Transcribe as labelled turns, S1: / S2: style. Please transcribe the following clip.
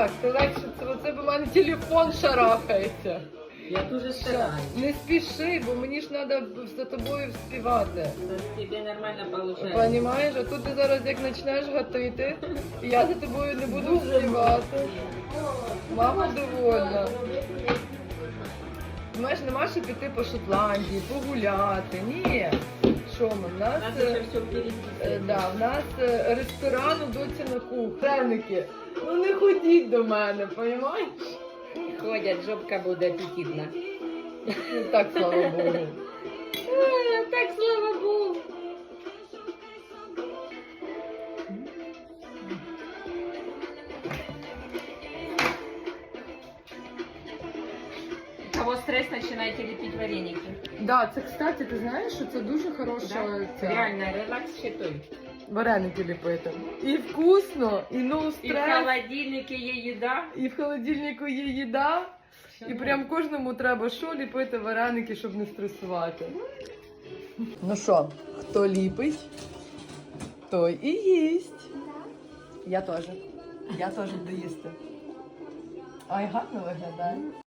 S1: Так, це легше, це б у мене телефон шарахається.
S2: Я дуже стараюсь.
S1: Не спіши, бо мені ж треба за тобою вспівати.
S2: Тебе нормально получается.
S1: Понімаєш? А тут ти зараз як почнеш гатити, і я за тобою не буду співати. Мама довольна. Знаєш, нема що піти по Шотландії, погуляти. Ні. Що ми? В нас,
S2: Надо ще все впереді.
S1: в нас ресторан у доці на кухні. Пряники. Ну не ходіть до мене, понімаєш?
S2: Ходять, жопка буде апетитна.
S1: Ну так, слава Богу.
S2: Так, слава Богу. Кого стресс, начинайте лепить вареники.
S1: Да, це, кстати, ти знаєш, що це дуже хороша
S2: Да?
S1: ця,
S2: Реально, релакс ще той.
S1: вареники ліпити. І вкусно, і no
S2: І в
S1: стрес,
S2: холодильнику є їда.
S1: і в холодильнику є їда. І прям кожному треба що ліпити вареники, щоб не стресувати. Ну що, хто ліпить, той і їсть. Я теж. Я теж буду їсти. Ай, гарно виглядає.